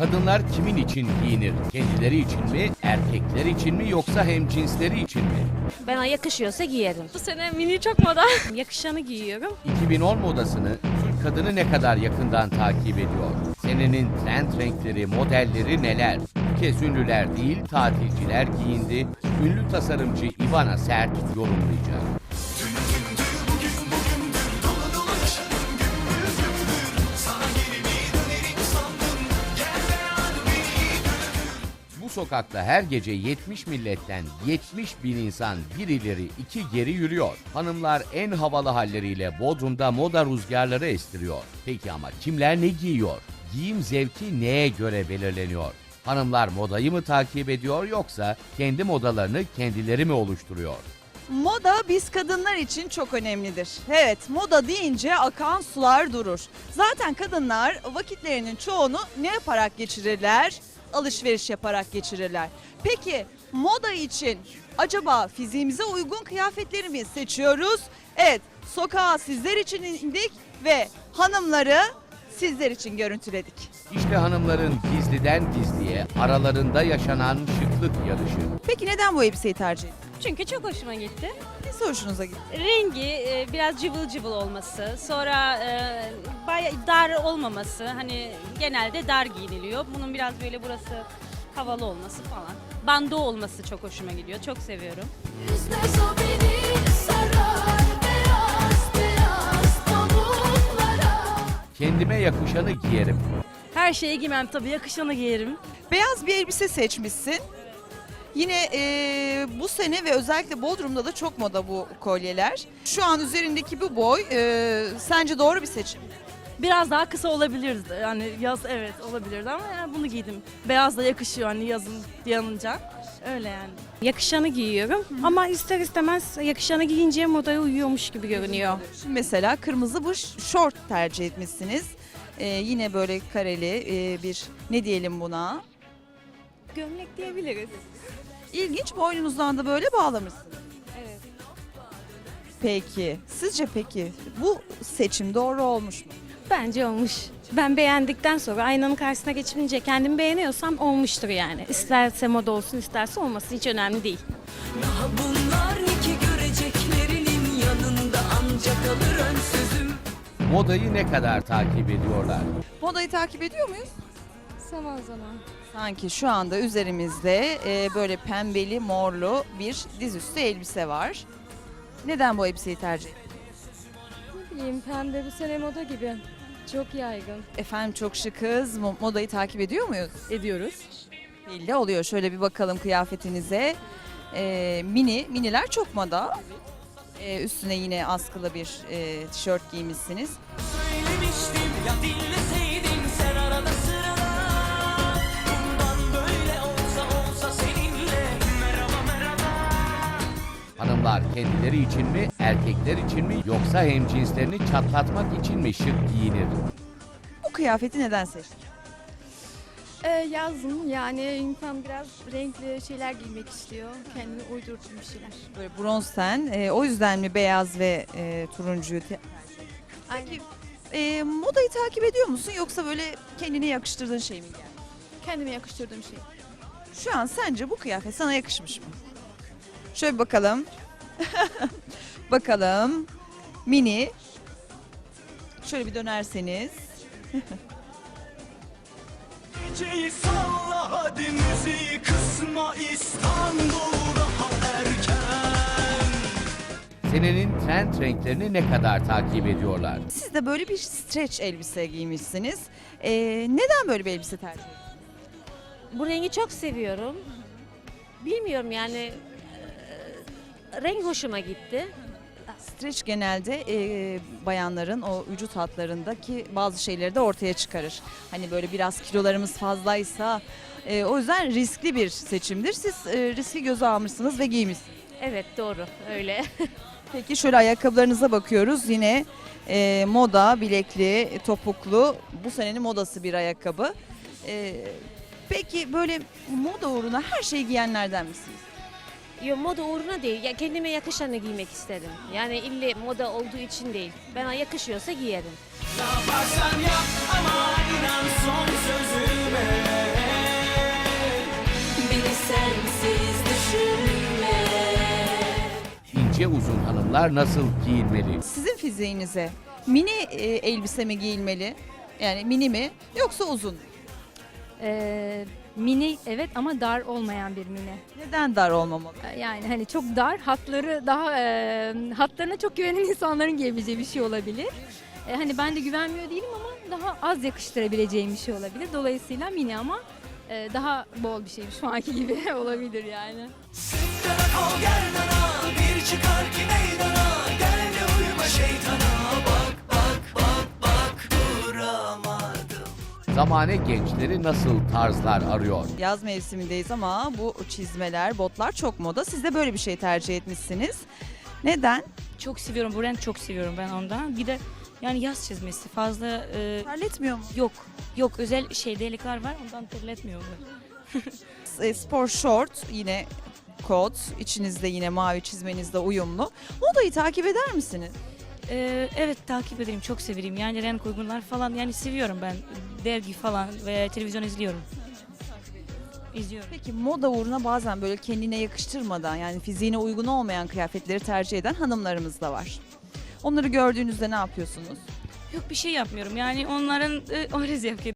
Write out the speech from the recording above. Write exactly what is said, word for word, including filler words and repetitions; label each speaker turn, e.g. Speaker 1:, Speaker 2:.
Speaker 1: Kadınlar kimin için giyinir? Kendileri için mi, erkekler için mi yoksa hemcinsleri için mi?
Speaker 2: Bana yakışıyorsa giyerim.
Speaker 3: Bu sene mini çok moda. Yakışanı giyiyorum.
Speaker 1: iki bin on modasını Türk kadını ne kadar yakından takip ediyor? Senenin trend renkleri, modelleri neler? Bu kez ünlüler değil, tatilciler giyindi. Ünlü tasarımcı Ivana Sert yorumlayacak. Bu sokakta her gece yetmiş milletten yetmiş bin insan bir ileri iki geri yürüyor. Hanımlar en havalı halleriyle Bodrum'da moda rüzgarları estiriyor. Peki ama kimler ne giyiyor? Giyim zevki neye göre belirleniyor? Hanımlar modayı mı takip ediyor yoksa kendi modalarını kendileri mi oluşturuyor?
Speaker 4: Moda biz kadınlar için çok önemlidir. Evet, moda deyince akan sular durur. Zaten kadınlar vakitlerinin çoğunu ne yaparak geçirirler? Alışveriş yaparak geçirirler. Peki moda için acaba fiziğimize uygun kıyafetleri mi seçiyoruz? Evet, sokağa sizler için indik ve hanımları sizler için görüntüledik.
Speaker 1: İşte hanımların gizliden gizliye aralarında yaşanan şıklık yarışı.
Speaker 4: Peki neden bu elbiseyi tercih ettiniz?
Speaker 3: Çünkü çok hoşuma gitti.
Speaker 4: Nesi hoşunuza gitti?
Speaker 3: Rengi e, biraz cıvıl cıvıl olması, sonra e, bayağı dar olmaması. Hani genelde dar giyiniliyor. Bunun biraz böyle burası havalı olması falan. Bando olması çok hoşuma gidiyor. Çok seviyorum.
Speaker 5: Üzmez o beni sarar beyaz beyaz pamuklara.
Speaker 1: Kendime yakışanı giyerim.
Speaker 3: Her şeyi giymem tabii. Yakışanı giyerim.
Speaker 4: Beyaz bir elbise seçmişsin. Yine e, bu sene ve özellikle Bodrum'da da çok moda bu kolyeler. Şu an üzerindeki bu boy e, sence doğru bir seçim mi?
Speaker 6: Biraz daha kısa olabilirdi. Yani yaz evet olabilirdi ama yani bunu giydim. Beyaz da yakışıyor hani yazın yanınca. Öyle yani.
Speaker 2: Yakışanı giyiyorum ama ister istemez yakışanı giyince modaya uyuyormuş gibi görünüyor.
Speaker 4: Şimdi mesela kırmızı bu şort tercih etmişsiniz. E, yine böyle kareli e, bir ne diyelim buna?
Speaker 2: Gömlek diyebiliriz.
Speaker 4: İlginç, boynunuzdan da böyle bağlamışsınız.
Speaker 2: Evet.
Speaker 4: Peki sizce peki bu seçim doğru olmuş mu?
Speaker 2: Bence olmuş. Ben beğendikten sonra aynanın karşısına geçince kendimi beğeniyorsam olmuştur yani. İsterse moda olsun isterse olmasın hiç önemli değil.
Speaker 7: Daha bunlar iki göreceklerinin yanında ancak alır ön sözüm.
Speaker 1: Modayı ne kadar takip ediyorlar?
Speaker 4: Modayı takip ediyor muyuz?
Speaker 3: Zaman zaman.
Speaker 4: Sanki şu anda üzerimizde e, böyle pembeli morlu bir dizüstü elbise var. Neden bu elbiseyi tercih ettin?
Speaker 3: Ne bileyim, pembe bu sene moda gibi. Çok yaygın.
Speaker 4: Efendim çok şıkız. Mo- Modayı takip ediyor muyuz?
Speaker 6: Ediyoruz.
Speaker 4: Belli oluyor. Şöyle bir bakalım kıyafetinize. E, mini, miniler çok moda. E, üstüne yine askılı bir e, tişört giymişsiniz.
Speaker 7: Söylemiştim ya dinleseydin sen arada sırada. Bundan böyle olsa olsa seninle. Merhaba merhaba.
Speaker 1: Hanımlar kendileri için mi, erkekler için mi yoksa hemcinslerini çatlatmak için mi şık giyinir?
Speaker 4: Bu kıyafeti neden seçtin?
Speaker 8: Ee, yazın yani insan biraz renkli şeyler giymek istiyor. Kendine uydurduğum bir şeyler.
Speaker 4: Böyle bronz ten. E, o yüzden mi beyaz ve e, turuncuyu te-
Speaker 8: Aynen.
Speaker 4: e, modayı takip ediyor musun yoksa böyle kendine yakıştırdığın şey mi geldi?
Speaker 8: Kendime yakıştırdığım şey.
Speaker 4: Şu an sence bu kıyafet sana yakışmış mı? Şöyle bir bakalım. Bakalım. Mini. Şöyle bir dönerseniz.
Speaker 7: Geceyi salla hadi müziği kısma İstanbul daha erken.
Speaker 1: Senenin trend renklerini ne kadar takip ediyorlar?
Speaker 4: Siz de böyle bir stretch elbise giymişsiniz. Ee, neden böyle bir elbise tercih ettiniz?
Speaker 2: Bu rengi çok seviyorum. Bilmiyorum yani e, renk hoşuma gitti.
Speaker 4: Stretch genelde e, bayanların o vücut hatlarındaki bazı şeyleri de ortaya çıkarır. Hani böyle biraz kilolarımız fazlaysa e, o yüzden riskli bir seçimdir. Siz e, riski göze almışsınız ve giymişsiniz.
Speaker 2: Evet doğru öyle.
Speaker 4: Peki şöyle ayakkabılarınıza bakıyoruz. Yine e, moda, bilekli, topuklu. Bu senenin modası bir ayakkabı. E, peki böyle moda uğruna her şeyi giyenlerden misiniz?
Speaker 2: Yo, moda uğruna değil. Ya kendime yakışanı giymek istedim. Yani ille moda olduğu için değil. Bana yakışıyorsa giyerim.
Speaker 7: Yaparsan yap ama inan son sözüme.
Speaker 1: ince uzun hanımlar nasıl giyinmeli?
Speaker 4: Sizin fiziğinize mini e, elbise mi giyilmeli? Yani mini mi yoksa uzun mu?
Speaker 9: Ee, mini evet ama dar olmayan bir mini.
Speaker 4: Neden dar olmamalı?
Speaker 9: Ee, Yani hani çok dar, hatları daha e, hatlarına çok güvenen insanların giyebileceği bir şey olabilir. Ee, hani ben de güvenmiyor değilim ama daha az yakıştırabileceğim bir şey olabilir. Dolayısıyla mini ama e, daha bol bir şey şu anki gibi olabilir yani.
Speaker 7: Bir çıkar ki meydana, gel de uyuma şeytana. Bak bak bak bak duramadım.
Speaker 1: Zamane gençleri nasıl tarzlar arıyor?
Speaker 4: Yaz mevsimindeyiz ama bu çizmeler, botlar çok moda. Siz de böyle bir şey tercih etmişsiniz. Neden?
Speaker 10: Çok seviyorum. Bu renk çok seviyorum ben ondan. Bir de yani yaz çizmesi fazla e,
Speaker 4: Terletmiyor mu?
Speaker 10: yok. Yok özel şey delikler var ondan terletmiyor.
Speaker 4: E, Spor short yine kot. İçinizde yine mavi çizmenizde uyumlu. Modayı takip eder misiniz?
Speaker 10: E, evet takip ederim. Çok severim. Yani renk uygunlar falan yani seviyorum ben. Dergi falan veya televizyon izliyorum. İzliyorum.
Speaker 4: Peki moda uğruna bazen böyle kendine yakıştırmadan yani fiziğine uygun olmayan kıyafetleri tercih eden hanımlarımız da var. Onları gördüğünüzde ne yapıyorsunuz?
Speaker 10: Yok bir şey yapmıyorum. Yani onların e, öyle zevk